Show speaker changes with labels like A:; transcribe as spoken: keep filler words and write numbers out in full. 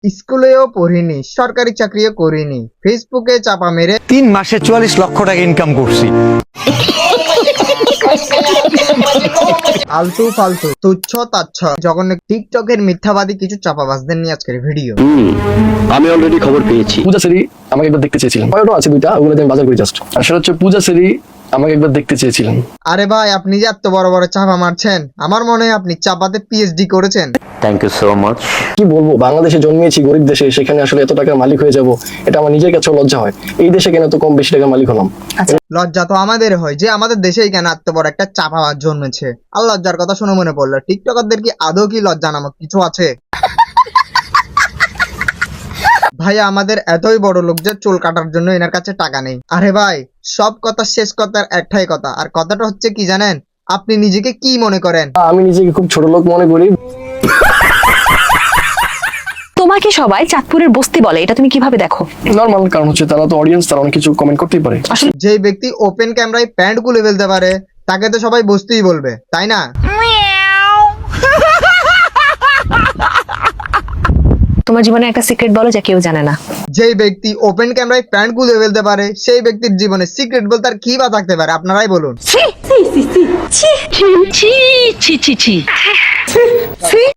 A: স্কুলেও পড়িনি, সরকারি চাকরিও করিনি, ফেসবুকে চাপা মেরে
B: তিন মাসে চুয়াল্লিশ লক্ষ টাকা ইনকাম করছি।
A: আলতু ফালতু তুচ্ছ তাচ্ছ জঘন্য টিকটকের মিথ্যাবাদী কিছু চাপাবাজদের নিয়ে আজকের ভিডিও।
C: আমি অলরেডি খবর পেয়েছি।
D: পূজা সেরি আমাকে একবার দেখতে চেয়েছিলেন, ফটো আছে দুইটা, ওগুলো আমি বাজার করি জাস্ট। আর সেটা হচ্ছে পূজা সেরি আমাকে একবার দেখতে চেয়েছিলেন।
A: আরে ভাই, আপনি যে এত বড় বড় চাপা মারছেন, আমার মনে হয় আপনি চাপাতে পিএইচডি করেছেন।
C: Thank you so much.
D: কি বলবো, বাংলাদেশে জন্মিয়েছি গরিব দেশে, সেখানে আসলে এত টাকার মালিক হয়ে যাব এটা আমার নিজের কাছেও লজ্জা হয়। এই দেশে কেন তো কম বেশি টাকার মালিক হলাম।
A: লজ্জা তো আমাদের হয় যে আমাদের দেশেই কেন এত বড় একটা চাপাবাজ জন্মেছে। আর লজ্জার কথা শুনে মনে পড়লো, টিকটকারদের কি আদৌ কি লজ্জা নামক কিছু আছে? ভাই, আমাদের এতই বড় লোক যে চুল কাটার জন্য এনার কাছে টাকা নেই। আরে ভাই, সব কথা শেষ কথার একটাই কথা, আর কথাটা হচ্ছে কি জানেন? আপনি নিজেকে কি মনে করেন?
D: আমি নিজেকে খুব ছোট লোক মনে করি।
E: তোমাকে সবাই চাঁদপুরের বস্তি বলে, এটা তুমি কিভাবে দেখো?
D: নর্মাল, কারণ হচ্ছে তারা তো অডিয়েন্স, তারা অনেক কিছু কমেন্ট করতেই পারে।
A: যে ব্যক্তি ওপেন ক্যামেরায় প্যান্ট খুলে ফেলতে পারে তাকে তো সবাই বস্তিই বলবে, তাই না?
E: তোমার জীবনে একটা সিক্রেট বলো যা কেউ জানে না।
A: যেই ব্যক্তি ওপেন ক্যামেরায় প্যান্ট খুলে ফেলতে পারে সেই ব্যক্তির জীবনে সিক্রেট বলতে আর কি বা থাকতে পারে? আপনারাই বলুন।